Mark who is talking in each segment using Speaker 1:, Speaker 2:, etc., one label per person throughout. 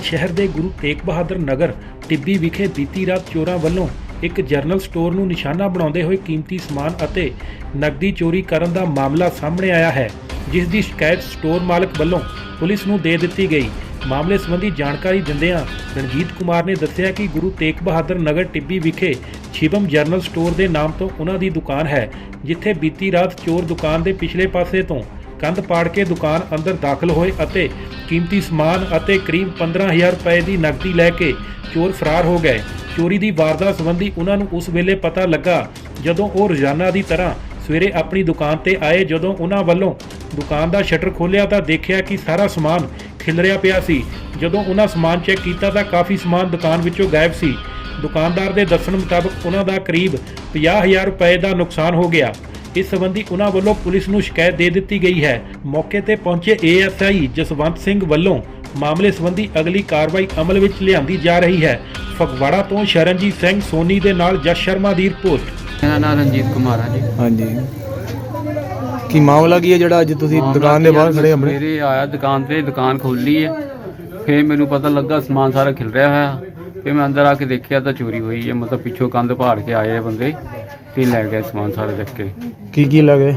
Speaker 1: शहर के गुरु तेग बहादुर नगर टिब्बी विखे बीती रात चोरां ਵੱਲੋਂ एक जरनल स्टोर ਨੂੰ निशाना बनाते हुए कीमती समान ਅਤੇ नकदी चोरी ਕਰਨ ਦਾ मामला सामने आया है, जिस की शिकायत स्टोर मालक ਵੱਲੋਂ पुलिस ਨੂੰ ਦੇ ਦਿੱਤੀ गई। मामले संबंधी जानकारी दिंदिਆਂ रणजीत कुमार ने दस्सिया कि गुरु तेग बहादुर नगर टिब्बी विखे शिवम जरनल स्टोर के नाम तो उन्हां दी दुकान है, जिथे बीती रात चोर दुकान के पिछले पासे तो कंध पाड़ के दुकान अंदर दाखिल होए अते कीमती समान अते करीब 15,000 रुपए की नकदी लैके चोर फरार हो गए। चोरी की वारदात संबंधी उन्होंने उस वेले पता लगा जदों वो रोजाना की तरह सवेरे अपनी दुकान ते आए। जदों उन्होंने वालों दुकान का शटर खोलिया तो देखा कि सारा समान खिलरिया पिया सी। जदों उन्होंने समान चैक किया तो काफ़ी समान दुकान विचों गायब सी। दुकानदार के दस्सण मुताबिक उन्हों करीब 50,000 रुपए का नुकसान हो गया। इस संबंधी उन्होंने वालों पुलिस नूं शिकायत दे दी गई है। मौके पर पहुंचे ASI जसवंत सिंह वालों मामले संबंधी अगली कार्रवाई अमल में लियांदी जा रही है। फगवाड़ा तो शरणजीत सिंह सोनी के नाल जस शर्मा की रिपोर्ट।
Speaker 2: मेरा नाम रणजीत कुमार है जी।
Speaker 3: हाँ जी, की मामला की है ਜਿਹੜਾ ਅੱਜ ਤੁਸੀਂ ਦੁਕਾਨ ਦੇ ਬਾਹਰ ਖੜੇ ਆਪਣੇ?
Speaker 2: ਮੇਰੇ ਆਇਆ ਦੁਕਾਨ ਤੇ, ਦੁਕਾਨ ਖੋਲੀ ਹੈ, ਫਿਰ ਮੈਨੂੰ ਪਤਾ ਲੱਗਾ ਸਮਾਨ ਸਾਰਾ ਖਿਲ ਰਿਹਾ ਹੋਇਆ। ਫਿਰ ਮੈਂ ਅੰਦਰ ਆ ਕੇ ਦੇਖਿਆ ਤਾਂ ਚੋਰੀ ਹੋਈ ਹੈ। ਮਤਲਬ ਪਿੱਛੋਂ ਕੰਧ ਪਾੜ ਕੇ ਆਏ ਬੰਦੇ ਤੇ ਲੈ ਗਏ ਸਮਾਨ ਸਾਰਾ ਚੱਕ ਕੇ।
Speaker 3: ਕੀ ਲੱਗੇ?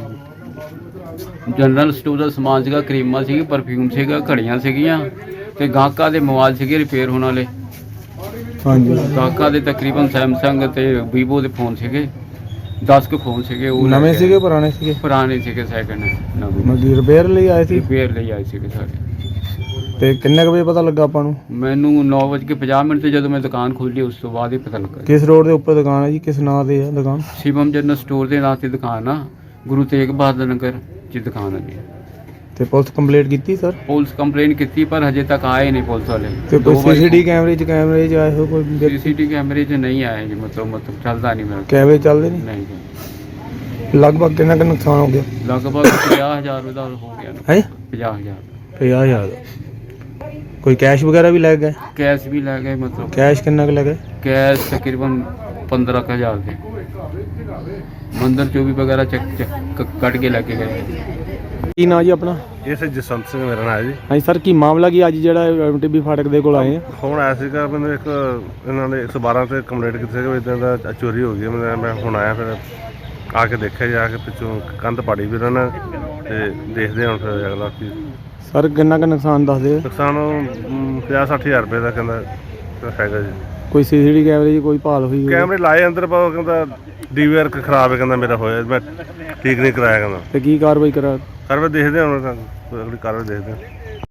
Speaker 2: ਜਨਰਲ ਸਟੋਰ ਦਾ ਸਮਾਨ ਸੀਗਾ, ਕਰੀਮਾਂ ਸੀਗੀ, ਪਰਫਿਊਮ ਸੀਗਾ, ਘੜੀਆਂ ਸੀਗੀਆਂ ਤੇ ਗਾਹਕਾਂ ਦੇ ਮੋਬਾਈਲ ਸੀਗੇ ਰਿਪੇਅਰ ਹੋਣ ਵਾਲੇ।
Speaker 3: ਹਾਂਜੀ,
Speaker 2: ਗਾਹਕਾਂ ਦੇ ਤਕਰੀਬਨ ਸੈਮਸੰਗ ਤੇ ਵੀਵੋ ਦੇ ਫੋਨ ਸੀਗੇ, 10 ਕੁ ਫੋਨ ਸੀਗੇ। ਉਹ
Speaker 3: ਨਵੇਂ ਸੀਗੇ ਪੁਰਾਣੇ ਸੀਗੇ?
Speaker 2: ਪੁਰਾਣੇ ਸੀਗੇ, ਸੈਕਿੰਡ ਨਵੇਂ।
Speaker 3: ਮਤਲਬ ਰਿਪੇਅਰ ਲਈ ਆਏ ਸੀ?
Speaker 2: ਰਿਪੇਅਰ ਲਈ ਆਏ ਸੀਗੇ ਸਾਰੇ।
Speaker 3: ਤੇ ਕਿੰਨੇ ਕੁ ਵਜੇ ਪਤਾ ਲੱਗਾ ਆਪਾਂ ਨੂੰ?
Speaker 2: ਮੈਨੂੰ 9:50 ਤੇ ਜਦੋਂ ਮੈਂ ਦੁਕਾਨ ਖੋਲੀ ਉਸ ਤੋਂ ਬਾਅਦ ਹੀ ਪਤਾ ਲੱਗਾ।
Speaker 3: ਕਿਸ ਰੋਡ ਦੇ ਉੱਪਰ ਦੁਕਾਨ ਹੈ ਜੀ? ਕਿਸ ਨਾਂ ਤੇ ਹੈ ਦੁਕਾਨ?
Speaker 2: शिवम जनरल स्टोर के नाम से दुकान आ, गुरु तेग बहादुर नगर की दुकान है जी।
Speaker 3: ਤੇ ਪੁਲਿਸ ਕੰਪਲੇਂਟ ਕੀਤੀ ਸਰ?
Speaker 2: पुलिस कंप्लेन की पर हजे तक आए नहीं पुलिस वाले।
Speaker 3: ਤੇ ਕੋਈ CCTV ਕੈਮਰੇ 'ਚ ਆਏ ਹੋ ਕੋਈ?
Speaker 2: CCTV कैमरे च नहीं आए जी। मतलब चलता नहीं मेरा।
Speaker 3: ਕੈਮਰੇ ਚੱਲਦੇ ਨਹੀਂ?
Speaker 2: नहीं जी।
Speaker 3: ਲਗਭਗ ਕਿੰਨਾ ਕੁ ਨੁਕਸਾਨ ਹੋ ਗਿਆ?
Speaker 2: लगभग 50,000 का हो गया ना।
Speaker 3: ਹੈ
Speaker 2: 50,000
Speaker 3: 50,000। ਕੋਈ ਕੈਸ਼ ਵਗੈਰਾ ਵੀ ਲੈ ਗਏ?
Speaker 2: कैश भी ले गए। मतलब
Speaker 3: ਕੈਸ਼ ਕਿੰਨਾ ਕੁ ਲੈ ਗਏ?
Speaker 2: कैश तकरीबन 15,000 थे। मंदिर चो भी वगैरह चक कट के लेके गए।
Speaker 3: ਕੀ ਨਾਂ ਜੀ ਆਪਣਾ?
Speaker 4: ਇਹ ਸੇ ਜਸਵੰਤ ਸਿੰਘ ਮੇਰਾ ਨਾਮ ਹੈ ਜੀ।
Speaker 3: ਹਾਂਜੀ ਸਰ, ਕੀ ਮਾਮਲਾ ਕੀ ਅੱਜ ਜਿਹੜਾ MTB ਫਾਟਕ ਦੇ ਕੋਲ ਆਏ ਆ?
Speaker 4: ਫੋਨ ਆਇਆ ਸੀਗਾ ਮੈਨੂੰ ਇੱਕ, ਇਹਨਾਂ ਨੇ 112 ਤੇ ਕੰਪਲੇਂਟ ਕੀਤੀ ਸੀ ਕਿ ਇੱਦਾਂ ਦਾ ਚੋਰੀ ਹੋ ਗਈ ਹੈ। ਮੈਂ ਹੁਣ ਆਇਆ, ਫਿਰ ਆ ਕੇ ਦੇਖਿਆ ਜਾ ਕੇ ਪਿੱਛੋਂ ਕੰਧ ਪਾੜੀ ਵੀ ਉਹਨਾਂ ਨੇ ਤੇ ਦੇਖਦੇ ਹੁਣ ਫਿਰ ਅਗਲਾ ਕੀ
Speaker 3: ਸਰ ਕਿੰਨਾ ਕੁ ਨੁਕਸਾਨ ਦੱਸਦੇ?
Speaker 4: ਨੁਕਸਾਨ 50-60,000 ਰੁਪਏ ਦਾ ਕਹਿੰਦਾ ਹੈਗਾ ਜੀ।
Speaker 3: ਕੋਈ CCTV ਕੈਮਰੇ 'ਚ ਕੋਈ ਭਾਲ ਹੋਈ?
Speaker 4: ਕੈਮਰੇ ਲਾਏ ਅੰਦਰ, ਪਰ ਉਹ ਕਹਿੰਦਾ DVR ਖਰਾਬ ਹੈ, ਕਹਿੰਦਾ ਮੇਰਾ ਹੋਇਆ, ਮੈਂ ਠੀਕ ਨਹੀਂ ਕਰਾਇਆ ਕਹਿੰਦਾ।
Speaker 3: ਤੇ ਕੀ ਕਾਰਵਾਈ ਕਰਾ?
Speaker 4: ਕਾਰਵਾਈ ਦੇਖਦੇ ਹੁਣ, ਅਗਲੀ ਕਾਰਵਾਈ ਦੇਖਦੇ ਹਾਂ।